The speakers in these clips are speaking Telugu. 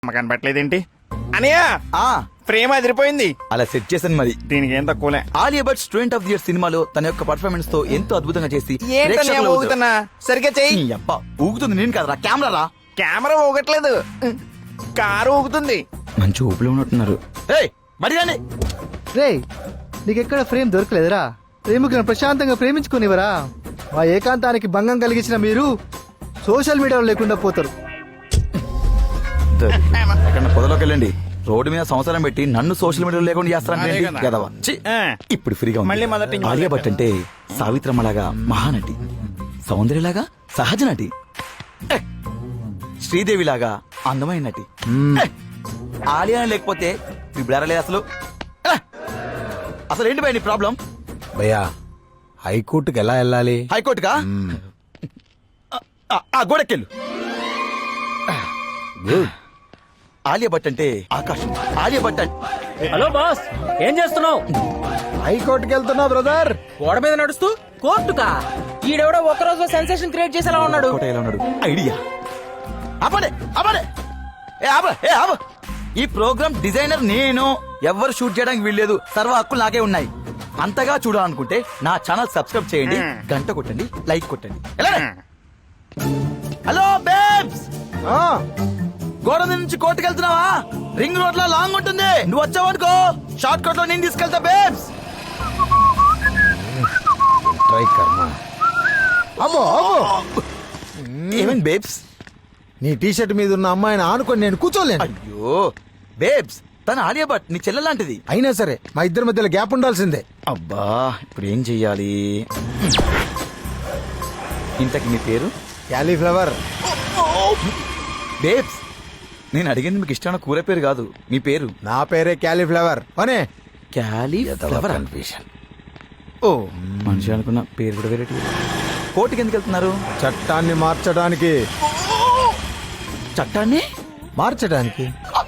కనపట్లేదేంటి అనియా? ఫ్రేమ్ అదిరిపోయింది. అలా సెట్ చేశాను మరి. దీనికి ఏం తక్కువలే. Alia Bhatt student of the year సినిమాలో తన యొక్క పర్ఫార్మెన్స్ తో ఎంతో అద్భుతంగా చేసి ఊగుతున్నా సరిగ్గా చెయ్యి. ఊగుతుంది నేను కదరా, కెమెరా రా. కెమెరా ఊగట్లేదు, కారు ఊగుతుంది. మంచి ఊపిలో ఉన్నట్టున్నారు. మరి రాని రే, నీకెక్కడ ఫ్రేమ్ దొరకలేదురా? ప్రేమికులను ప్రశాంతంగా ప్రేమించుకునేవరా? మా ఏకాంతానికి భంగం కలిగించిన మీరు సోషల్ మీడియాలో లేకుండా పోతారు. ఎక్కడ పొదలోకి వెళ్ళండి. రోడ్డు మీద సంవత్సరం పెట్టి నన్ను సోషల్ మీడియాలో లేకుండా చేస్తారంటే ఇప్పుడు ఫ్రీగా మళ్ళీ మొదటి నుంచి ఆలియా భట్ అంటే సావిత్రమ్మలాగా మహానటి, సౌందర్యలాగా సహజ నటి, శ్రీదేవిలాగా అందమైన నటి. ఆలియా లేకపోతే బిడారలేదు అసలు. అసలు ఏంటి భయ నీ ప్రాబ్లం? భయ్యా, హైకోర్టుకి ఎలా వెళ్ళాలి? హైకోర్టుగా? గోడకెళ్ళు. ఆలియా భట్ అంటే ఆకాశం. ఆలియా భట్ అంటే హలో బాస్, ఏం చేస్తున్నావు? హైకోర్టుకి వెళ్తున్నా బ్రదర్. గోడ మీద నడుస్తూ కోర్టుకా? ఈడెవడో ఒక్కరోజు సెన్సేషన్ క్రియేట్ చేసేలా ఉన్నాడు. కోట ఎలా ఉన్నాడు? ఐడియా. ఆపడే ఆపడే. ఈ ప్రోగ్రామ్ డిజైనర్ నేను. ఎవ్వరు షూట్ చేయడానికి వీల్లేదు, సర్వ హక్కులు నాకే ఉన్నాయి. అంతగా చూడాలనుకుంటే నా ఛానల్ సబ్స్క్రైబ్ చేయండి, గంట కొట్టండి, లైక్ కొట్టండి. హలో బేబ్స్, గోడ నుంచి కోర్టుకు వెళ్తున్నావా? రింగ్ రోడ్ లో లాంగ్ ఉంటుంది, నువ్వు వచ్చావనుకో షార్ట్ కట్ లో నేను తీసుకెళ్తా బేబ్స్. ట్రై కర్మ. అమ్మో ఏమేం బేబ్స్? నీ టీషర్ట్ మీద ఉన్న అమ్మాయిని ఆనుకొని నేను కూర్చోలేను. అయ్యో బేబ్స్, తన ఆలియా భట్ నీ చెల్లె లాంటిది. అయినా సరే మా ఇద్దరి మధ్యలో గ్యాప్ ఉండాల్సిందే. అబ్బా, ఇప్పుడు ఏం చెయ్యాలి? ఇంతకి మీ పేరు? క్యాలీఫ్లవర్. బేబ్స్, నేను అడిగింది మీకు ఇష్టమైన కూర పేరు కాదు, మీ పేరు. నా పేరే క్యాలీఫ్లవర్. అనే క్యాలీఫ్లవర్. ఓ మనిషి అనుకున్న పేరు కూడా వేరే. కోర్టుకి ఎందుకు వెళ్తున్నారు? చట్టాన్ని మార్చడానికి. చట్టాన్ని మార్చడానికి?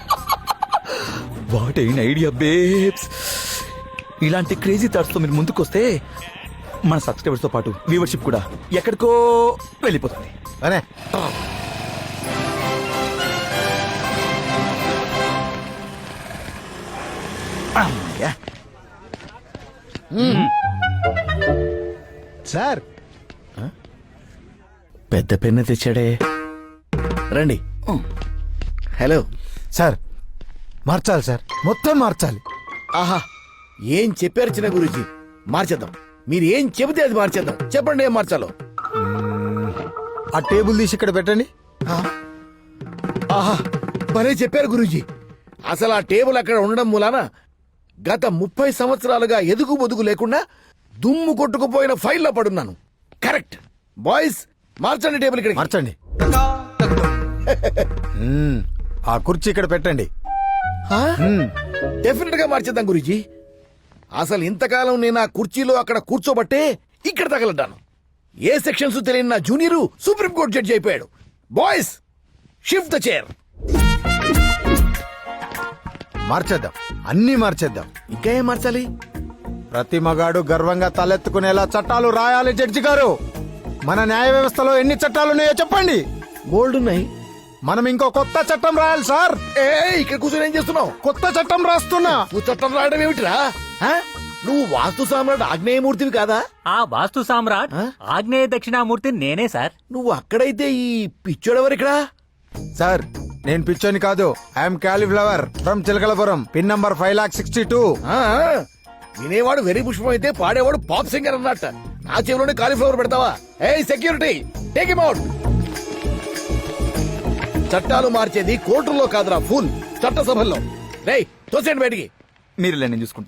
What an idea babes. ఇలాంటి క్రేజీ థాట్స్ తో మీరు ముందుకొస్తే మన సబ్స్క్రైబర్స్ తో పాటు వ్యూవర్షిప్ కూడా ఎక్కడికో వెళ్ళిపోతుంది. అనే సార్, పెద్ద పెన్ను తెచ్చాడే. రండి. హలో సార్ మార్చాలి సార్, మొత్తం మార్చాలి. ఆహా, ఏం చెప్పారు చిన్న గురూజీ? మార్చేద్దాం. మీరు ఏం చెబితే అది మార్చేద్దాం. చెప్పండి ఏం మార్చాలో. ఆ టేబుల్ తీసి ఇక్కడ పెట్టండి. ఆహా, భలే చెప్పారు గురూజీ. అసలు ఆ టేబుల్ అక్కడ ఉండడం మూలాన గత 30 సంవత్సరాలుగా ఎదుగు బొదుగు లేకుండా దుమ్ము కొట్టుకుపోయిన ఫైల్లో పడున్నాను. కరెక్ట్. బాయ్స్, మార్చండి టేబుల్ ఇక్కడ. మార్చండి. ఆ కుర్చీ ఇక్కడ పెట్టండి. డెఫినెట్ గా మార్చేద్దాం గురూజీ. అసలు ఇంతకాలం నేను ఆ కుర్చీలో అక్కడ కూర్చోబట్టే ఇక్కడ తగలడ్డాను. ఏ సెక్షన్స్ తెలియని నా జూనియర్ సుప్రీంకోర్టు జడ్జి అయిపోయాడు. Boys, shift the chair. మార్చేద్దాం, అన్నీ మార్చేద్దాం. ఇంకా ఏం మార్చాలి? ప్రతి మగాడు గర్వంగా తలెత్తుకునేలా చట్టాలు రాయాలి. జడ్జి గారు, మన న్యాయ వ్యవస్థలో ఎన్ని చట్టాలున్నాయో చెప్పండి. బోల్డ్ ఉన్నాయి. మనం ఇంకో కొత్త చట్టం రాయాలి సార్. ఇక్కడ కూర్చొని ఏం చేస్తున్నావు? కొత్త చట్టం రాస్తున్నా. నువ్వు చట్టం రాయడం ఏమిటిరా? నువ్వు వాస్తు సామ్రాట్ ఆగ్నేయమూర్తివి కాదా? ఆ వాస్తు సామ్రాట్ ఆగ్నేయ దక్షిణామూర్తి నేనే సార్. నువ్వు అక్కడైతే ఈ పిచ్చోడెవరిక్కడ? సార్, నేను పిచ్చోని కాదు. I'm cauliflower from Chilakalapuram. Pin number 5,62,000. వినేవాడు వెరీ పుష్పం అయితే పాడేవాడు పాప్ సింగర్ అన్నట్ట. నా చెవిలోనే కాలీఫ్లవర్ పెడతావా? ఏయ్ సెక్యూరిటీ, టేక్ హిమ్ అవుట్. చట్టాలు మార్చేది కోర్టుల్లో కాదురా, ఫుల్ చట్టసభల్లో. రేయ్, తోసేయండి బయటికి. మీరు నేను చూసుకుంటా.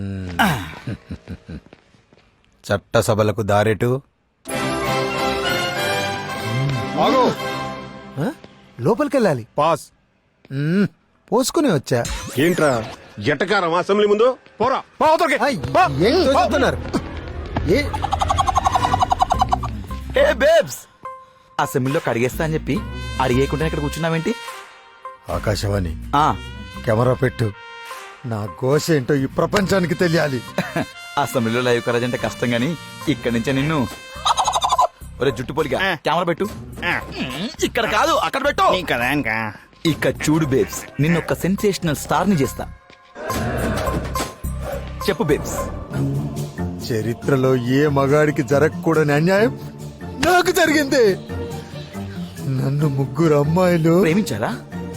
చట్టసభలకు దారెటు. లోపలికెళ్ళాలి. పాస్. పోసుకుని వచ్చా. ఏంట్రా జటకారం అసెంబ్లీ ముందు? పోరా. ఏం తోచుతున్నారు? ఏ బేబ్స్, అసెంబ్లీలో కడిగేస్తా అని చెప్పి అడిగేయకుండా ఇక్కడ కూర్చున్నావేంటి? ఆకాశవాణి, కెమెరా పెట్టు. నా ఘోష ఏంటో ఈ ప్రపంచానికి తెలియాలి. అసెంబ్లీలో లైవ్ కరేజ్ అంటే కష్టం గానీ ఇక్కడి నుంచే నిన్ను ఒరే జుట్టు పొలిగా కెమెరా పెట్టు. ఇక్కడ కాదు, అక్కడ పెట్టు. కదా ఇంకా ఇక చూడు బేబ్స్, నిన్నొక్క సెన్సేషనల్ స్టార్ ని చేస్తా. చెప్పు బేబ్స్. చరిత్రలో ఏ మగాడికి జరగకూడని అన్యాయం నాకు జరిగింది. నన్ను ముగ్గురు అమ్మాయిలు ప్రేమించారా?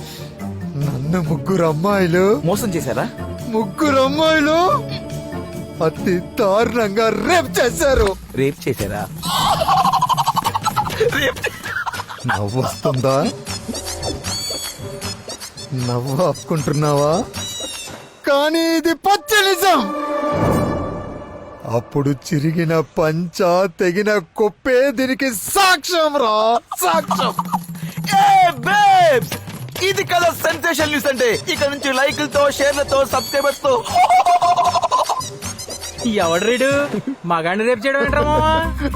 మోసం చేశారా? ముగ్గురు అమ్మాయిలు అతి దారుణంగా రేప్ చేశారు. రేప్ చేశారా? నవ్వు వస్తుందా? నవ్వు ఆపుకుంటున్నావా? కానీ ఇది పచ్చ నిజం. అప్పుడు చిరిగిన పంచ, తెగిన కొప్పే దీనికి సాక్ష్యం రా, సాక్ష్యం. ఇది కదా సెన్సేషన్ న్యూస్ అంటే. ఇక నుంచి లైకులతో, షేర్లతో, సబ్స్క్రైబర్స్ తో. ఎవడు రీడు మగాడిని రేపు చేయడం ఏంట్రా మావా?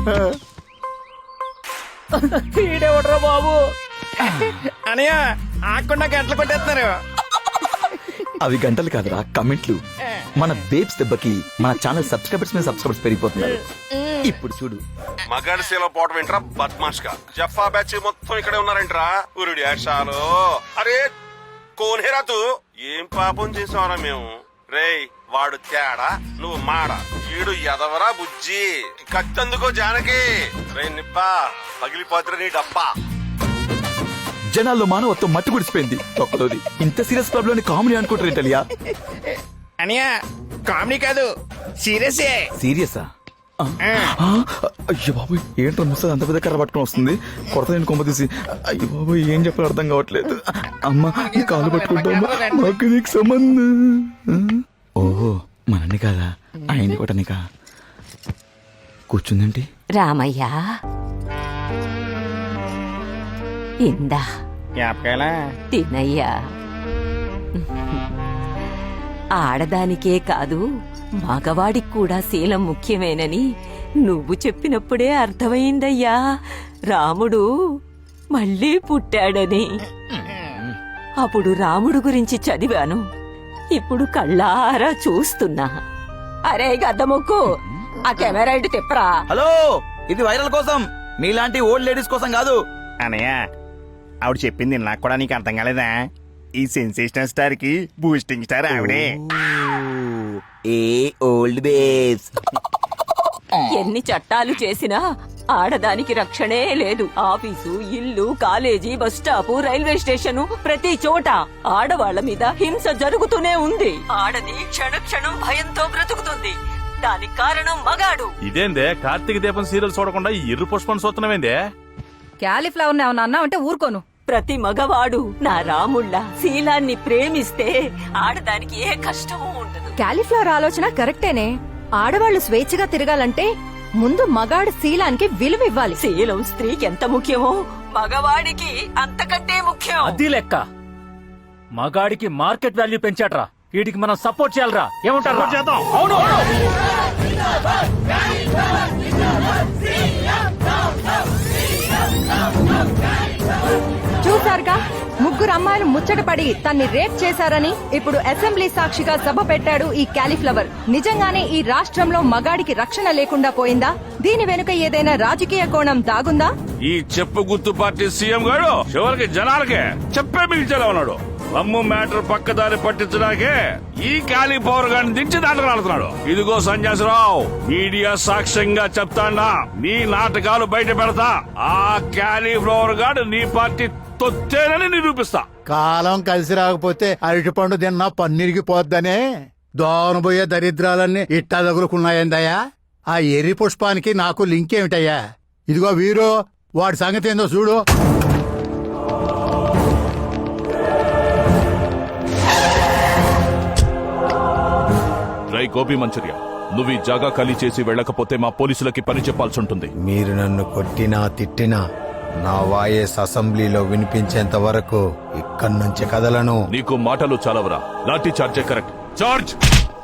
ఈడెవడ్రా బాబు? అనయ్య ఆకుండా గంటలు కొట్టేస్తున్నారు. అవి గంటలు కాదురా, కమెంట్లు. మన బేబ్స్ దెబ్బకి మన ఛానల్ సబ్స్క్రైబర్స్ మీద సబ్స్క్రైబర్స్ పెరిగిపోతున్నారు. ఇప్పుడు చూడు. మగాడి సేలో పోవటం ఏంట్రా బద్మాష్ గా. జఫా బ్యాచ్ మొత్తం ఇక్కడే ఉన్నారేంట్రా. ఉరుడి ఆశాలు. అరే కోనేరా తూ. ఏం పాపం చేసావరా మేము. రేయ్ వాడు తేడా, నువ్వు మాడ. ఈడు ఎదవరా బుజ్జి. కత్తందుకో జానకి. రే నిప్పా పగిలిపోతురా నీ డబ్బా. జనాల్లో మానవత్వం మట్టి గుడిసిపోయింది. ఒక్కలోది ఇంత సీరియస్ క్లబ్ లోని కామెడీ అనుకుంటారు ఏంటలియా? అనయ్య కామెడీ కాదు, సీరియసే. సీరియసా? అయ్యో బాబు, ఏంటో ముసలి అంత పెద్ద కర్ర పట్టుకుని వస్తుంది. కొరత నేను కొమ్మ తీసి. అయ్యో బాబు, ఏం చెప్పాలో అర్థం కావట్లేదు. అమ్మా నీ కాలు పట్టుకుంటామా? మాకు నీకు సంబంధం. ఓహో మనని కాదా, ఆయన్ని కొట్టనికా. కూర్చుందేంటి? రామయ్య ఇందా జ్ఞాపకాలా తినయ్యా. ఆడదానికే కాదు మగవాడికి కూడా శీలం ముఖ్యమేనని నువ్వు చెప్పినప్పుడే అర్థమైందయ్యా. రాముడు మళ్ళీ పుట్టాడని. అప్పుడు రాముడు గురించి చదివాను, ఇప్పుడు కళ్ళారా చూస్తున్నా. అరే గద్దముక్కు, ఆ కెమెరా ఇటు తిప్పరా. హలో, ఇది వైరల్ కోసం, మీలాంటి ఓల్డ్ లేడీస్ కోసం కాదు. అనయ్య ఆవిడ చెప్పింది నాకు కూడా నీకు అర్థం కాలేదా? ఈ సెన్సేషనల్ స్టార్ కి బూస్టింగ్ స్టార్ ఆవిడే. A old babes. ఎన్ని చట్టాలు చేసినా ఆడదానికి రక్షణే లేదు. ఆఫీసు, ఇల్లు, college, bus stop, railway station, ప్రతి చోట ఆడవాళ్ల మీద హింస జరుగుతూనే ఉంది. ఆడది క్షణ క్షణం భయంతో బ్రతుకుతుంది. దానికి కారణం మగాడు. ఇదేందే కార్తీక దీపం సీరియల్ చూడకుండా ఎర్ర పుష్పం చూస్తున్నామేందే? క్యాలీఫ్లవర్ ఏమన్నా అన్నా అంటే ఊరుకోను. ప్రతి మగవాడు నా రాముళ్ళ శీలాన్ని ప్రేమిస్తే ఆడదానికి ఏ కష్టమూ ఉండదు. క్యాలీఫ్లవర్ ఆలోచన కరెక్టేనే. ఆడవాళ్లు స్వేచ్ఛగా తిరగాలంటే ముందు మగాడు శీలానికి విలువ ఇవ్వాలి. శీలం స్త్రీకి ఎంత ముఖ్యమో మగవాడికి అంతకంటే ముఖ్యం. అది లెక్క. మగాడికి మార్కెట్ వాల్యూ పెంచాడ్రా, వీడికి మనం సపోర్ట్ చేయాలరా. ఏమంటారు? చేద్దాం. అవును. చూసారుగా, ముగ్గురు అమ్మాయిలు ముచ్చటపడి తన్ని రేప్ చేశారని ఇప్పుడు అసెంబ్లీ సాక్షిగా సభ పెట్టాడు ఈ క్యాలీఫ్లవర్. నిజంగానే ఈ రాష్ట్రంలో మగాడికి రక్షణ లేకుండా పోయిందా? దీని వెనుక ఏదైనా రాజకీయ కోణం దాగుందా? ఈ చెప్పు గుర్తు పార్టీ సీఎం గారు చివరికి జనాలకే చెప్పే మిగిల్చేలా ఉన్నాడు. అమ్ము మ్యాటర్ పక్కదారి పట్టించడానికే ఈ క్యాలీఫ్లవర్ గారిని దించి దాటరాడుతున్నాడు. ఇదిగో సంజాసరావు, మీడియా సాక్ష్యంగా చెప్తాడా, నీ నాటకాలు బయట పెడతా. ఆ క్యాలీఫ్లవర్ గారు నీ పార్టీ తొత్తేనని నిరూపిస్తా. కాలం కలిసి రాకపోతే అరటిపండు తిన్నా పన్నీరికి పోద్దనే దోనబోయే దరిద్రాలన్నీ ఇట్టా తగులుకున్నాయందయ్యా. ఆ ఎర్రి పుష్పానికి నాకు లింక్ ఏమిటయ్యా? ఇదిగో వీరు, వాడి సంగతి ఏందో చూడు. రై గోపి మంచూరియా, నువ్వు ఈ జాగా ఖాళీ చేసి వెళ్ళకపోతే మా పోలీసులకి పని చెప్పాల్సి ఉంటుంది. మీరు నన్ను కొట్టినా తిట్టినా నా వాయిస్ అసెంబ్లీలో వినిపించేంత వరకు ఇక్కడి నుంచి కదలను. నీకు మాటలు చాలవరా? లాఠీ చార్జే కరెక్ట్. చార్జ్.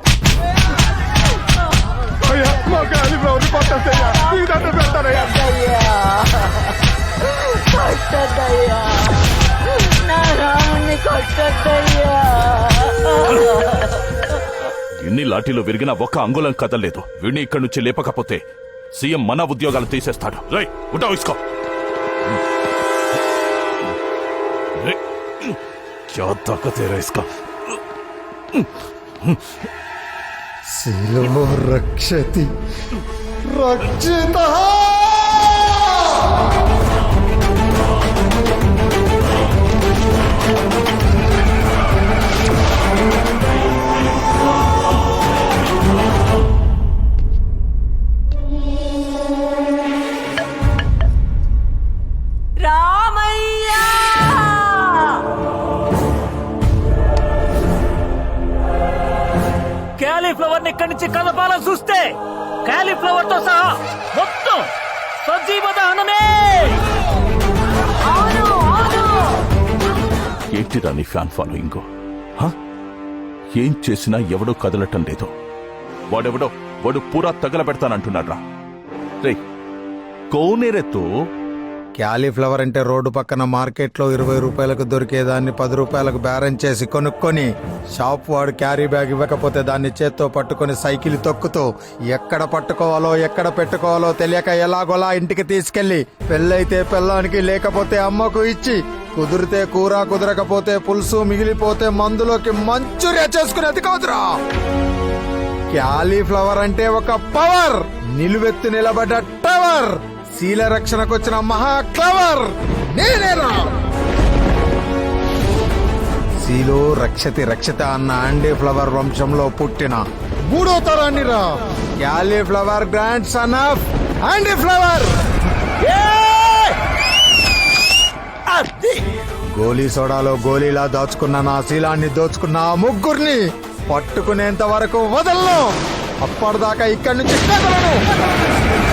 ఎన్ని లాఠీలు విరిగినా ఒక్క అంగుళం కదలేదు. వీడిని ఇక్కడి నుంచి లేపకపోతే సీఎం మన ఉద్యోగాలు తీసేస్తాడు. రై ఉటా ఇసుకో. क्या ताकत है रे इसका శిలో రక్షతి రక్షిత రామయ్య క్యాలీఫ్లవర్ ని ఇక్కడి నుంచి కలపాలని చూస్తే క్యాలీఫ్లవర్ తో సహా మొత్తం సజీవ దహనమే. ఏంటిరా నీ ఫ్యాన్ ఫాలోయింగ్ ఏం చేసినా ఎవడో కదలటం లేదు వాడు పూరా తగలబెడతానంటున్నాడ్రా రే కోనేరెత్తు క్యాలీఫ్లవర్ అంటే రోడ్డు పక్కన మార్కెట్లో 20 రూపాయలకు దొరికేదాన్ని 10 రూపాయలకు బేరం చేసి కొనుక్కొని షాప్ వాడు క్యారీ బ్యాగ్ ఇవ్వకపోతే దాన్ని చేత్తో పట్టుకొని సైకిల్ తొక్కుతూ ఎక్కడ పట్టుకోవాలో ఎక్కడ పెట్టుకోవాలో తెలియక ఎలాగోలా ఇంటికి తీసుకెళ్లి పెళ్ళైతే పెళ్ళానికి లేకపోతే అమ్మకు ఇచ్చి కుదిరితే కూర కుదరకపోతే పులుసు మిగిలిపోతే మందులోకి మంచూరియా చేసుకునేది కాదురా. క్యాలీఫ్లవర్ అంటే ఒక పవర్, నిలువెత్తు నిలబడ్డ టవర్, శీల రక్షణకు వచ్చిన మహా క్లవర్ నేనేరా. శీలో రక్షతి రక్షత అన్న ఆండీ ఫ్లవర్ వంశంలో పుట్టిన 3వ తరాన్ని రా. Cauliflower grand son of Andy Flower. గోలీ సోడాలో గోలీలా దాచుకున్న నా శీలాన్ని దోచుకున్న ఆ ముగ్గురిని పట్టుకునేంత వరకు వదలను. అప్పటిదాకా ఇక్కడి నుంచి కదలను.